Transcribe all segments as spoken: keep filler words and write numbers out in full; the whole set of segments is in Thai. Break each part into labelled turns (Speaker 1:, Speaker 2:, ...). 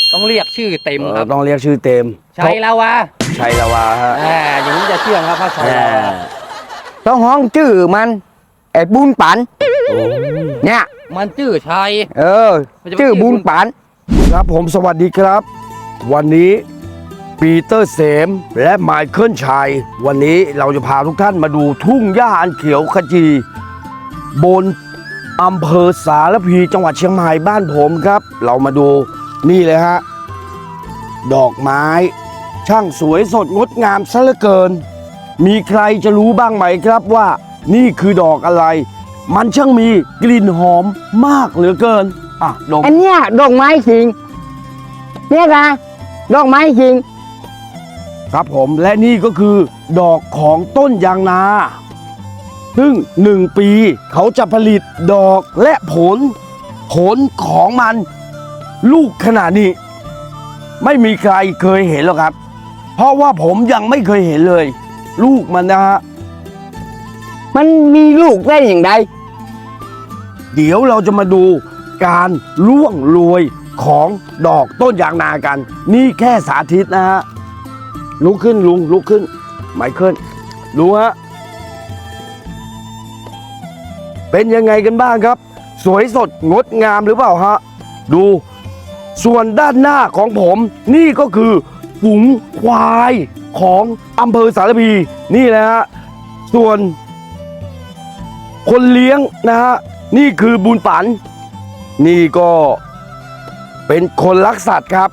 Speaker 1: ต้องเรียกชื่อเต็มครับ
Speaker 2: ต้องเรียกชื่อเต็ม
Speaker 1: ชัยลาวา
Speaker 2: ชัยลาวาฮะ
Speaker 1: อ่าอย่างนี้จะเชื่องครับพระชัยลาวา
Speaker 3: ต้องห้องชื่อมันไอ้บุญปันเนี่ย
Speaker 1: มันชื่อชัย
Speaker 3: เออชื่อบุญปัน
Speaker 2: ครับผมสวัสดีครับวันนี้ปีเตอร์เสมและไมเคิลชัยวันนี้เราจะพาทุกท่านมาดูทุ่งหญ้าอันเขียวขจีบนอำเภอสารพีจังหวัดเชียงใหม่บ้านผมครับเรามาดูนี่เลยฮะดอกไม้ช่างสวยสดงดงามซะเหลือเกินมีใครจะรู้บ้างไหมครับว่านี่คือดอกอะไรมันช่างมีกลิ่นหอมมากเหลือเกินอ่ะดอก
Speaker 3: อันเนี้ยดอกไม้จริงเนี่ยนะดอกไม้จริง
Speaker 2: ครับผมและนี่ก็คือดอกของต้นยางนาซึ่งหนึ่งปีเขาจะผลิตดอกและผลผลของมันลูกขนาดนี้ไม่มีใครเคยเห็นหรอกครับเพราะว่าผมยังไม่เคยเห็นเลยลูกมันนะฮะ
Speaker 3: มันมีลูกได้อย่างไร
Speaker 2: เดี๋ยวเราจะมาดูการล่วงโรยของดอกต้นยางนากันนี่แค่สาธิตนะฮะลุกขึ้นลุงลุกขึ้นไมเคิลดูฮะเป็นยังไงกันบ้างครับสวยสดงดงามหรือเปล่าฮะดูส่วนด้านหน้าของผมนี่ก็คือฝูงควายของอำเภอสารพีนี่แหละฮะส่วนคนเลี้ยงนะฮะนี่คือบุญปันนี่ก็เป็นคนรักสัตว์ครับ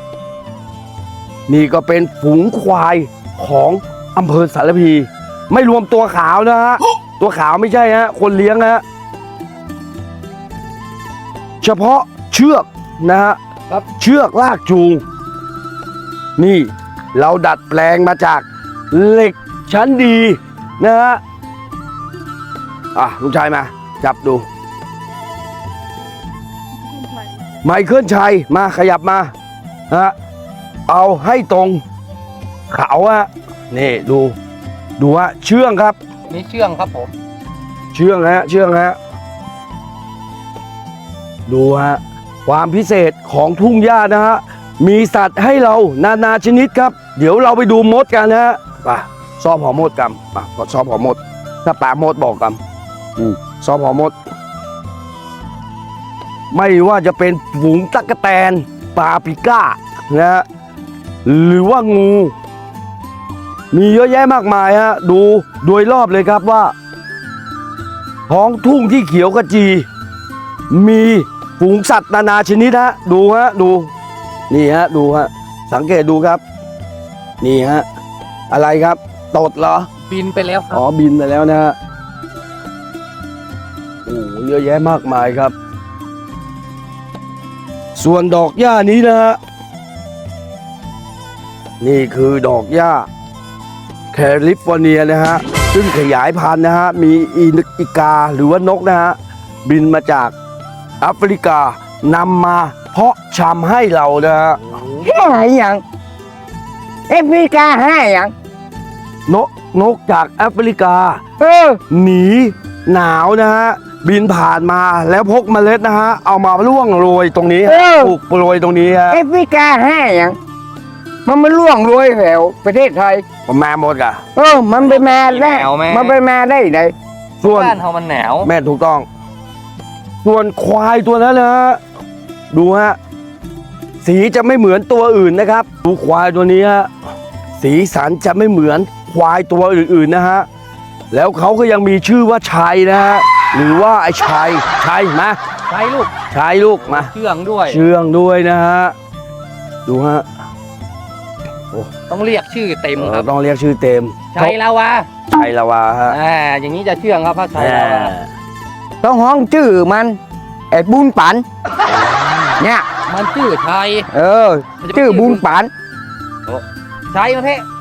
Speaker 2: นี่ก็เป็นฝูงควายของอำเภอสารพีไม่รวมตัวขาวนะฮะตัวขาวไม่ใช่ฮะคนเลี้ยงฮะเฉพาะเชือกนะฮะครับเชือกลากจูงนี่เราดัดแปลงมาจากเหล็กชั้นดีนะฮะอ่ะลุงชายมาจับดูไมเคิลชัยมาขยับมาฮะเอาให้ตรงเขาฮะนี่ดูดูฮะเชื่องครับ
Speaker 1: นี่เชื่องครับผม
Speaker 2: เชื่องฮะเชื่องฮะดูฮะความพิเศษของทุ่งหญ้านะฮะมีสัตว์ให้เรานานาชนิดครับเดี๋ยวเราไปดูมดกันนะฮะป่ะซอบหอมดกันป่ะกดซอบหอมดถ้าป่ามดบอกกันอืมซอบหอมดไม่ว่าจะเป็นฝูงตั๊กแตนปลาปิก้านะฮะหรือว่างูมีเยอะแยะมากมายฮะดูโดยรอบเลยครับว่าท้องทุ่งที่เขียวขจีมีฝูงสัตว์นานาชนิดฮะดูฮะดูนี่ฮะดูฮะสังเกตดูครับนี่ฮะอะไรครับตดเหรอ
Speaker 1: บินไปแล้วครับ
Speaker 2: อ๋อบินไปแล้วนะฮะโอ้เยอะแยะมากมายครับส่วนดอกหญ้านี้นะฮะนี่คือดอกหญ้าแคลิฟอร์เนียนะฮะซึ่งขยายพันธุ์นะฮะมีอีกาหรือว่านกนะฮะบินมาจากแอฟริกานำมาเพาะชำให้เรานะฮะ
Speaker 3: ให้อย่างแอฟริกาให้อย่าง
Speaker 2: นกนกจากแอฟริกา
Speaker 3: เออ
Speaker 2: หนีหนาวนะฮะบินผ่านมาแล้วพกเมล็ดนะฮะเอามาล่วงโรยตรงนี้ปลูกโรยตรงนี้ฮะ
Speaker 3: แอฟริกาให้อย่างมันไม่ล่วงโรยแถวประเทศไทย
Speaker 2: ผมแม่หมดกะ
Speaker 3: เออมันไปมาได้มันไปมาได้ไหน
Speaker 1: ส่วนบ้านเขามันหนาว
Speaker 2: แม่ถูกต้องส่วนควายตัวนั้นนะฮะดูฮะสีจะไม่เหมือนตัวอื่นนะครับดูควายตัวนี้ฮะสีสันจะไม่เหมือนควายตัวอื่นๆนะฮะแล้วเขาก็ยังมีชื่อว่าชัยนะฮะหรือว่าไอ้ชัยชัยมา
Speaker 1: ชัยลูก
Speaker 2: ชัยลูกมา
Speaker 1: เชื่องด้วย
Speaker 2: เชื่องด้วยนะฮะดูฮะ
Speaker 1: ต้องเรียกชื่อเต็มครับ
Speaker 2: ต้องเรียกชื่อเต็ม
Speaker 1: ชัยลาวา
Speaker 2: ชัยลาวาฮะ
Speaker 1: อ่าอย่างนี้จะเชื่องครับพระชัยลาวา
Speaker 3: ต้องห้องชื่อมันไอ้บุญปันเนี่ย
Speaker 1: มันชื่อชัย
Speaker 3: เออชื่อบุญปัน
Speaker 1: ชัยมาเพ่